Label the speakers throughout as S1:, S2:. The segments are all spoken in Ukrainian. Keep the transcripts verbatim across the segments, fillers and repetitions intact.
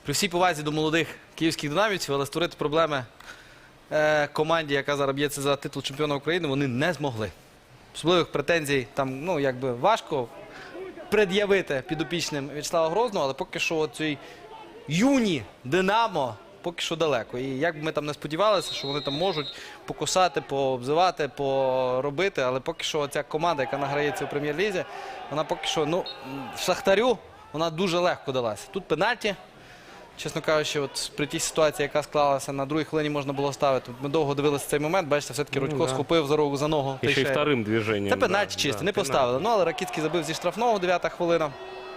S1: При всій повазі до молодих київських динамівців, але створити проблеми е, команді, яка зараз б'ється за титул чемпіона України, вони не змогли. Особливих претензій там, ну, якби важко пред'явити підопічним В'ячеслава Грозного, але поки що цей юні Динамо поки що далеко. І як б ми там не сподівалися, що вони там можуть покусати, пообзивати, поробити, але поки що ця команда, яка награється у прем'єр-лізі, вона поки що, ну, Шахтарю, вона дуже легко далася. Тут пенальті. Чесно кажучи, от при тій ситуації, яка склалася, на другій хвилині можна було ставити. Ми довго дивилися цей момент, бачите, все-таки Рудько
S2: Ну, да.
S1: схопив за руку, за ногу.
S2: Еще и вторым движением.
S1: Це пенальті
S2: да,
S1: чисто,
S2: да,
S1: не
S2: пенальти.
S1: поставили. Ну, але Ракицький забив зі штрафного, дев'ята хвилина.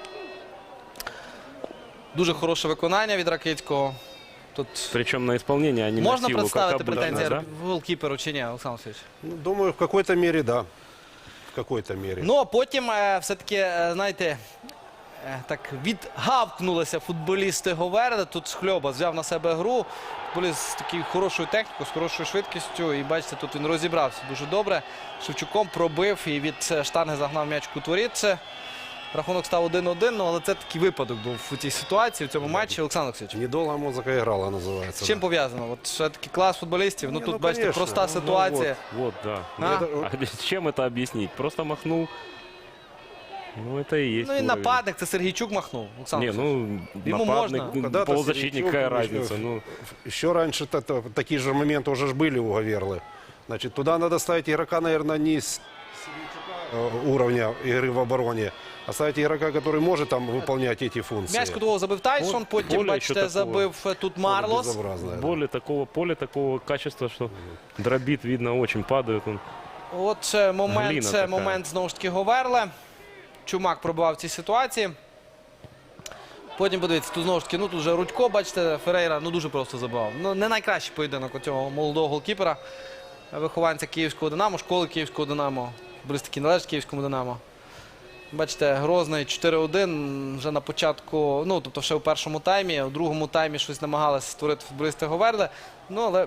S1: Дуже хороше виконання від Ракицького. Тут
S2: Причем на исполнение, а не
S1: можна
S2: на силу,
S1: представити
S2: как обычно,
S1: претензії
S2: да?
S1: голкіперу чи ні, Олександр Васильович?
S3: Ну, думаю, в какой-то мере, да. В какой-то мере.
S1: Ну, а потім е, все-таки, е, знаєте, е, так відгавкнулися футболісти Говерли. Тут Шхльоба взяв на себе гру. Футболіст з такою хорошою технікою, з хорошою швидкістю. І бачите, тут він розібрався дуже добре. Шевчуком пробив і від е, штанги загнав м'яч в кут воріт. Це рахунок став один-один, ну, але це такий випадок був у цій ситуації, в цьому матчі. Олександр Олексійович,
S3: Недолго музыка играла, называется.
S1: з чим
S3: да.
S1: пов'язано? От все-таки клас футболістів. Ну,
S3: Ні,
S1: тут,
S3: ну,
S1: бачите,
S3: конечно.
S1: проста
S3: Ну,
S1: ситуація.
S2: Вот, да.
S1: А?
S3: Это-
S2: А с чем это объяснить? Просто махнул. Ну, это и есть.
S1: Ну і
S2: уровень.
S1: нападник, це Сергійчук махнув. Олександр
S2: Не,
S1: Олексійович.
S2: ну,
S1: Ему
S2: нападник,
S1: можно.
S2: ну,
S3: Когда-то
S2: полузащитник,
S3: Сергійчук,
S2: какая
S3: ну,
S2: разница? Ну,
S3: Еще раньше это, такие же моменты уже ж были у Гаверлы. Значит, туда надо ставить игрока, наверное, не с э, уровня игры в обороне, а ставить игрока, который может там выполнять эти функции.
S1: М'яч кутового забив Тайсон, потім,
S2: поле
S1: бачите,
S2: ще такого.
S1: забив е, тут
S3: Поле
S1: Марлос.
S3: безобразное, да.
S2: более такого, поле такого качества, что дробит, видно, очень падает он.
S1: От е, момент,
S2: Глина
S1: це
S2: така.
S1: момент, знову ж таки, Говерли. Чумак пробивав в цій ситуації. Потім, подивіться, тут знову ж таки, ну тут вже Рудько, бачите, Ферейра, ну дуже просто забивав. Ну, не найкращий поєдинок у цього молодого голкіпера, вихованця Київського Динамо, школи Київського Динамо. Футболіст такий належить Київському Динамо. Бачите, Грозний чотири один вже на початку, ну, тобто ще у першому таймі, у другому таймі щось намагалися створити футболісти Говерли. Ну, але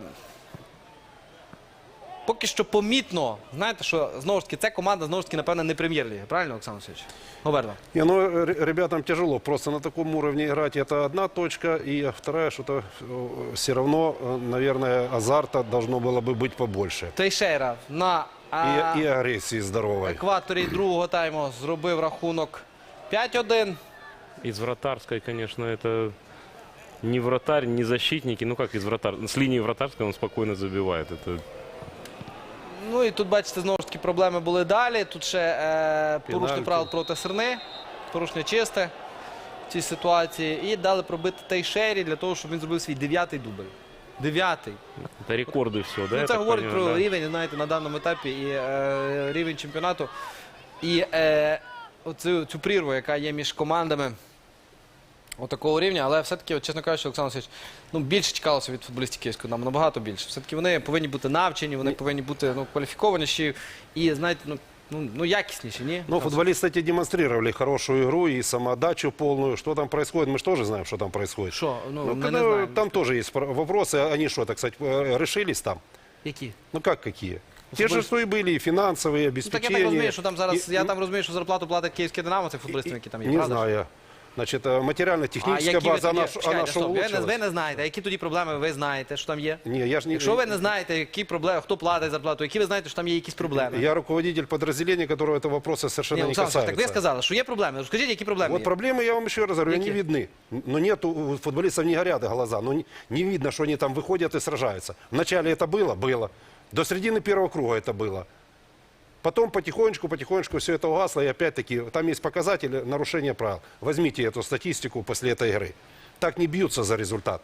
S1: поки що помітно, знаєте, що, знову ж таки, ця команда, знову ж таки, напевно, не прем'єр-ліги. Правильно, Олександр Васильович? Говерла.
S3: Не, ну, р- ребятам тяжело. Просто на таком уровне играть это одна точка. И вторая, что-то все равно, э, наверное, азарта должно было бы быть побольше.
S1: Тейшейра на а,
S3: И, и агрессии здоровой.
S1: екваторі другого тайму зробив рахунок п'ять один.
S2: Из вратарской, конечно, это не вратарь, не защитники. Ну, как из вратар? С линии вратарской он спокойно забивает. Это
S1: Ну і тут, бачите, знову ж таки проблеми були далі. Тут ще е, порушення
S3: Пенальті.
S1: правил проти Серни, порушення чисте в цій ситуації. І дали пробити Тейшері для того, щоб він зробив свій дев'ятий дубль. Дев'ятий.
S2: Это рекорды все, да?
S1: Ну,
S2: я
S1: це
S2: так
S1: говорить
S2: понимаю,
S1: про
S2: да?
S1: рівень, знаєте, на даному етапі і е, рівень чемпіонату. І е, оцю цю прірву, яка є між командами отакого рівня. Але все-таки, от, чесно кажучи, Олександр Васильович, ну, більше чекалося від футболістів Київського Динамо, набагато більше. Все-таки вони повинні бути навчені, вони повинні бути, ну, кваліфікованіші і, знаєте, ну, ну, ну ясніші, ні?
S3: Ну, футболисты эти демонстрировали хорошую игру и самоотдачу полную. Что там происходит, мы же тоже знаем, что там происходит.
S1: Що? Ну,
S3: Ну,
S1: ми
S3: когда
S1: не знаємо.
S3: там тоже есть про- вопросы. Они что, так сказать, э, решились там?
S1: Які?
S3: Ну, как какие? Те же, что и были, и финансовые,
S1: Ну, так я
S3: обеспечения.
S1: так розумію, що там зараз,
S3: И-
S1: я
S3: и-
S1: там розумію, що зарплату платить Київське Динамо, цих футболістів, які там є,
S3: Не
S1: правда ж?
S3: знаю. Значит, э,
S1: А
S3: материально-техническая
S1: які ви
S3: база,
S1: тоді,
S3: она, ш-
S1: чекайте,
S3: она что
S1: стоп, ви, не,
S3: улучшилась?
S1: ви не знаєте, а які тоді проблеми ви знаєте, що там є?
S3: Не, я ж не...
S1: Якщо ви не знаєте, які проблеми, хто платить зарплату, які ви знаєте, що там є якісь проблеми?
S3: Я руководитель подразделения, которого этого вопроса совершенно
S1: Ні,
S3: не
S1: Олександр Васильович,
S3: касается.
S1: так ви сказали, що є проблеми. Розкажіть, які проблеми
S3: Вот
S1: є?
S3: проблемы, я вам еще раз говорю, они
S1: Какие?
S3: видны. Но нет, у футболистов не горят глаза. Но не, не видно, что они там выходят и сражаются. Вначале это было? Было. До середины первого круга это было. Потом потихонечку, потихонечку все это угасло. И опять-таки, там есть показатели нарушения правил. Возьмите эту статистику после этой игры. Так не бьются за результат.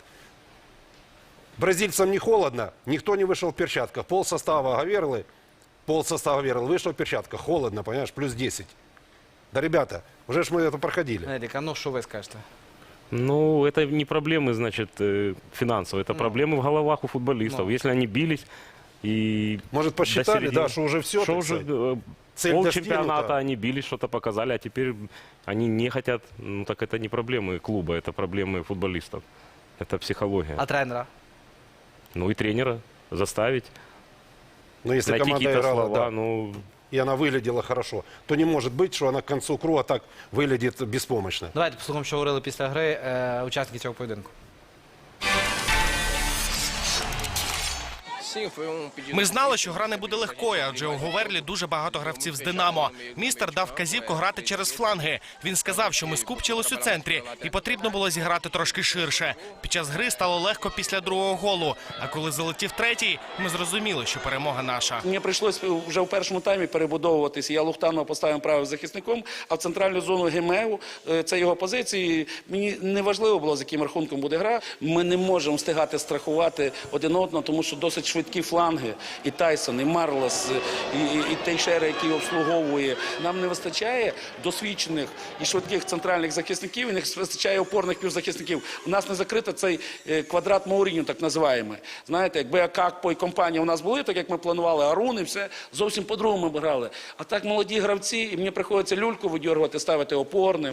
S3: Бразильцам не холодно, никто не вышел в перчатках. Пол состава Гаверлы, пол состава Гаверлы вышел в перчатках. Холодно, понимаешь, плюс десять. Да, ребята, уже ж мы это проходили.
S1: Едік, а ну що ви скажете?
S2: Ну, это не проблемы, значит, э, финансовые. Это проблемы в головах у футболистов.
S1: Ну.
S2: Если они бились и...
S3: Может,
S2: до
S3: посчитали,
S2: середины-
S3: да, что уже все,
S2: Что уже э,
S3: Цель
S2: полчемпионата
S3: достигнута.
S2: они бились, что-то показали, а теперь они не хотят. Ну, так это не проблемы клуба, это проблемы футболистов. Это психология.
S1: А тренера?
S2: Ну и тренера заставить.
S3: Но если
S2: найти
S3: команда
S2: какие-то
S3: играла,
S2: слова.
S3: да,
S2: Ну,
S3: и она выглядела хорошо, то не может быть, что она к концу круга так выглядит беспомощно.
S1: Давайте послухаємо, що говорили після гри е, учасники цього поєдинку.
S4: Ми знали, що гра не буде легкою, адже у Говерлі дуже багато гравців з «Динамо». Містер дав вказівку грати через фланги. Він сказав, що ми скупчились у центрі і потрібно було зіграти трошки ширше. Під час гри стало легко після другого голу, а коли залетів третій, ми зрозуміли, що перемога наша.
S5: Мені прийшлось вже в першому таймі перебудовуватися. Я Лухтанова поставив правим захисником, а в центральну зону Гемеу, е, це його позиції. Мені не важливо було, з яким рахунком буде гра. Ми не можемо встигати страхувати один одного, тому що досить швидкі фланги. І Тайсон, і Марлес, і, і, і Тейшера, який обслуговує. Нам не вистачає досвідчених і швидких центральних захисників, і не вистачає опорних півзахисників. У нас не закрито цей е, квадрат Мауріньо, так називаємо. Знаєте, якби Акакпо і компанія у нас були, так як ми планували, Арун і все, зовсім по-другому ми грали. А так молоді гравці, і мені приходиться люльку видьоргувати, ставити опорним.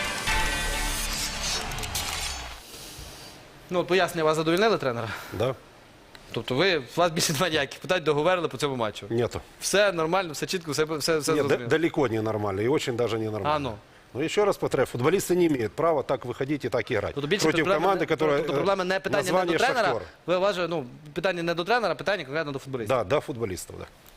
S1: Ну, от пояснення, вас задовольнили тренера?
S3: Да?
S1: Тобто ви, у вас більше немає ніяких питань до Говерли по цьому матчу?
S3: Нету.
S1: Все нормально, все чітко, все, все, все
S3: Нет, да-
S1: зрозуміло.
S3: далеко не нормально и очень даже не нормально.
S1: А, ну.
S3: Но еще раз повторяю, футболисты не имеют права так выходить и так играть.
S1: Тобто більше
S3: Против
S1: проблема,
S3: команды,
S1: не-
S3: которая
S1: тобто проблема не
S3: э,
S1: питання не
S3: название
S1: до тренера,
S3: «Шахтер».
S1: ви вважаєте, ну, питання не до тренера, питання конкретно до футболістів.
S3: Да, до футболистов, да.